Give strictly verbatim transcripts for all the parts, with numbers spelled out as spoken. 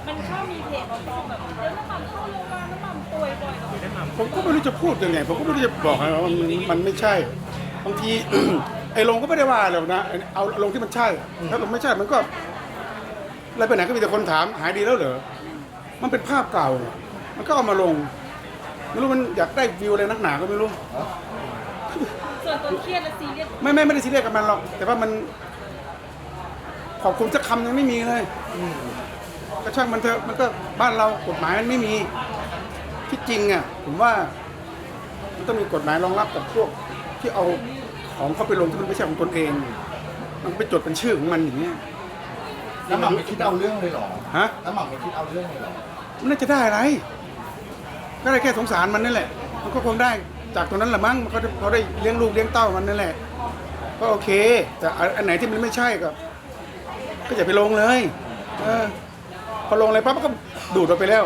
มันชอบมีเพจบอกแบบเดี๋ยวน้ำมันเข้าโรงพยาบาลน้ำมันป่วยบ่อยกับน้ำมันผมก็ไม่รู้จะพูดยังไงผมก็ไม่รู้จะบอกไงว่ามันมันไม่ใช่บางที ไอ้ลงก็ไม่ได้ว่าหรอกนะเอาลงที่มันใช่ถ้าลงไม่ใช่มันก็อะไรไปไหนก็มีแต่คนถามหายดีแล้วเหรอมันเป็นภาพเก่า มันก็เอามาลงไม่รู้มันอยากได้วิวอะไรนักหนาก็ไม่รู้ส่วนตัวเครียดและซีเรียสไม่ไม่ไม่ได้ซีเรียสกับมันหรอกแต่ว่ามันขอบคุณสักคำยังไม่มีเลยก็ช่างมันเถอะมันก็บ้านเรากฎหมายมันไม่มีที่จริงอ่ะผมว่ามันต้องมีกฎหมายรองรับกับพวกที่เอาของเข้าไปลงที่มันไม่ใช่ของตนเอง มันไปจดเป็นชื่อของมันอย่างเงี้ยน้ำหม่ำไม่คิดเอาเรื่องเลยเหรอฮะน้ำหม่ำไม่คิดเอาเรื่องเลยเหรอมันน่าจะได้อะไรก็ได้แค่สงสารมันนั่นแหละมันก็คงได้จากตรงนั้นแหละมั้งมันก็เขาได้เลี้ยงลูกเลี้ยงเต้ามันนั่นแหละก็โอเค แต่อันไหนที่มันไม่ใช่ก็ก็อย่าไปลงเลยเออพอลงอะไรปั๊บมันก็ดูดออกไปแล้ว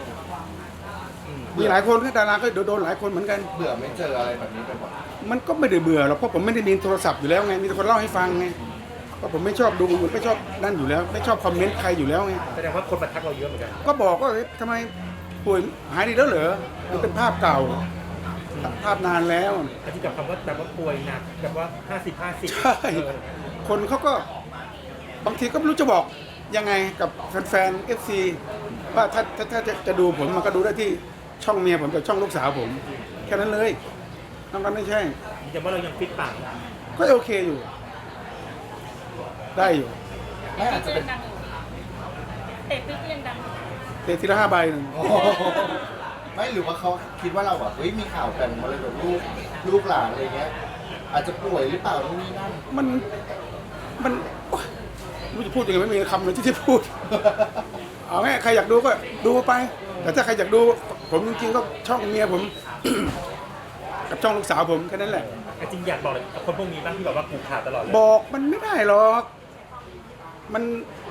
มีหลายคนก็ดาราก็โดนหลายคนเหมือนกันเบื่อไม่เจออะไรแบบนี้ไปหมดมันก็ไม่ได้เบื่อหรอกเพราะผมไม่ได้มีโทรศัพท์อยู่แล้วไงมีแต่คนเล่าให้ฟังไงเพราะผมไม่ชอบดูไม่ชอบนั่นอยู่แล้ว ไม่ชอบคอมเมนต์ใครอยู่แล้วไงแสดงว่าคนมาทักเราเยอะเหมือนกันก็บอกว่าเอ๊ะทำไมป่วยหายดีแล้วเหรอมันเป็นภาพเก่า ภาพนานแล้วแต่ที่กับคำว่าแบบว่าป่วยหนักแบบว่าห้าสิบห้าสิบใช่คนเขาก็บางทีก็ไม่รู้จะบอกยังไงกับแฟนๆ เอฟ ซี ว่าถ้าถ้าถ้าจะจะดูผมมันก็ดูได้ที่ช่องเมียผมกับช่องลูกสาวผม แค่นั้นเลยนอกนั้นไม่ใช่ยืนยันว่าเรายังฟิตปังก็โอเคอยู่ ได้อยู่ไม่อาจจะเป็นดังอยู่เตะปิ๊กยังดังอยู่เตะทีละห้าใบหนึ่งโอ้โหไม่หรือว่าเขาคิดว่าเราแบบเฮ้ยมีข่าวแบ่งมาเลยแบบลูกลูกหลานอะไรเงี้ย อาจจะป่วยหรือเปล่านู่นนี่นั่นมันมันโอ๊ยไม่รู้จะพูดยังไงไม่มีคำเลยที่จะพูด เอาไงใครอยากดูก็ดูไป แต่ถ้าใครอยากดูผมจริงๆก็ช่องเมียผม กับช่องลูกสาวผมแค่นั้นแหละแต่จริงอยากบอกเลยกับคนพวกนี้บ้างที่แบบว่ากูข่าวตลอดเลยบอกมันไม่ได้หรอก มัน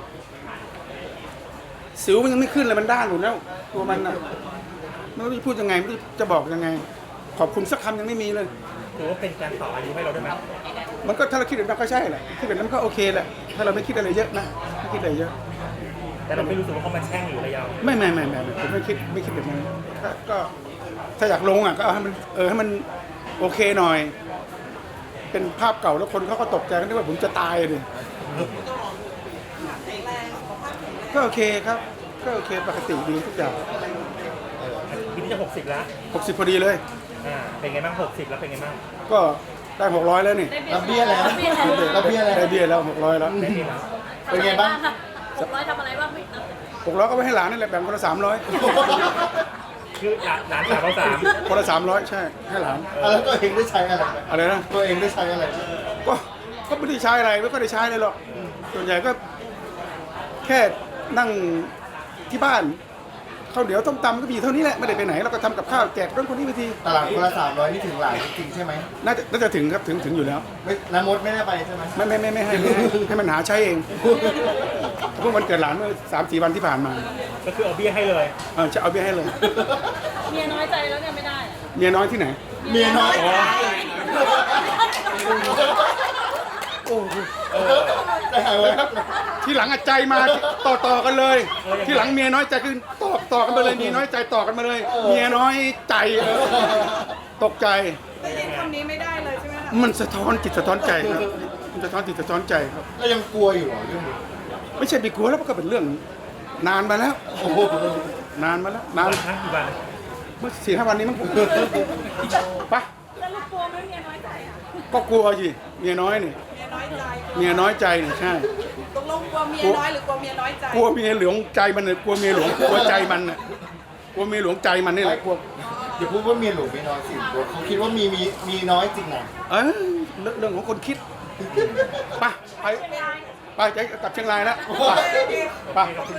สิวมันยังไม่ขึ้นเลยมันด้านอยู่แล้วตัวมันน่ะไม่รู้จะพูดยังไงไม่รู้จะบอกยังไง ขอบคุณสักคำยังไม่มีเลยถือว่าเป็นการต่ออายุให้เราได้ไหมมันก็ถ้าเราคิดแบบนั้นก็ใช่แหละคิดแบบนั้นก็โอเคแหละถ้าเราไม่คิดอะไรเยอะนะไม่คิดอะไรเยอะแต่เราไม่รู้สึกว่าเขามาแช่งหรืออะไรเราไม่ไม่ไม่ไม่ผมไม่คิดไม่คิดแบบนั้นก็ก็ถ้าอยากลงอ่ะก็เอาให้มันเออให้มันโอเคหน่อย เป็นภาพเก่าแล้วคนเขาก็ตกใจกันว่าผมจะตายเลยก็โอเคครับก็โอเคปกติดีทุกอย่างปีนี้จะหกสิบแล้วหกสิบพอดีเลยอ่าเป็นไงบ้างหกสิบแล้วเป็นไงบ้างก็ได้หกร้อยแล้วนี่ได้รับเบี้ยแล้วได้เบี้ยแล้วรับเบี้ยแล้วได้เบี้ยแล้วหกร้อยแล้วได้ดีแล้วเป็นไงบ้างหกร้อยทำอะไรบ้างไม่นับหกร้อยก็ไปให้หลานนี่แหละแบ่งคนละสามร้อยคือหลานหลานสาวเราสามคนละสามร้อยใช่ให้หลานอ่ะแล้วตัวเองได้ใช้อะไรไหมอะไรนะตัวเองได้ใช้อะไรก็ก็ไม่ได้ใช้อะไรไม่ก็ได้ใช้อะไรหรอกส่วนใหญ่ก็แค่นั่งที่บ้านข้าวเหนียวต้มตำก็มีเท่านี้แหละไม่ได้ไปไหนเราก็ทำกับข้าวแจกเรื่องคนนี้ไปทีตลาดคนละสามร้อยนี่ถึงหลานจริงๆใช่ไหมน่าจะน่าจะถึงครับถึงถึงอยู่แล้วไม่น้ำมดไม่ได้ไปใช่ไหมไม่ไม่ไม่ไม่ให้ไม่ให้ให้มันหาใช้เองเพิ่งวันเกิดหลานเมื่อสามสี่วันที่ผ่านมาก็คือเอาเบี้ยให้เลยเออจะเอาเบี้ยให้เลยเมียน้อยใจแล้วเนี่ยไม่ได้อะเมียน้อยที่ไหนเมียน้อยโอ้โหแต่หายไว้ครับที่หลังอะใจมาต่อต่อกันเลย ที่หลังเมียน้อยใจคือต่อต่อกันมาเลยเมียน้อยใจต่อกันมาเลย เมียน้อยใจเออตกใจได้ยินคำนี้ไม่ได้เลยใช่ไหมคะมันสะท้อนจิตสะท้อนใจครับมันสะท้อนจิตสะท้อนใจครับแล้วยังกลัวอยู่เหรอเรื่องนี้ไม่ใช่ไปกลัวแล้วมันก็เป็นเรื่อง นานมาแล้วโอ้โหนานมาแล้วนานนะกี่วันเมื่อสี่ห้าวันนี้มั้งไปแล้วลูกกลัวไหมเมียน้อยใจอ่ะก็กลัวสิเมียน้อยนี่เมียน้อยใจเมียน้อยใจนี่ใช่ตกลงกลัวเมียน้อยหรือกลัวเมียน้อยใจกลัวเมียหลวงใจมันเลยกลัวเมียหลวงกลัวใจมันน่ะกลัวเมียหลวงใจมันนี่แหละกลัวอย่าพูดว่าเมียหลวงเมียน้อยสิเขาคิดว่ามีมีมีน้อยจริงนะเออเรื่องเรื่องของคนคิดไปไปไปจะกลับเชียงรายแล้วไปไป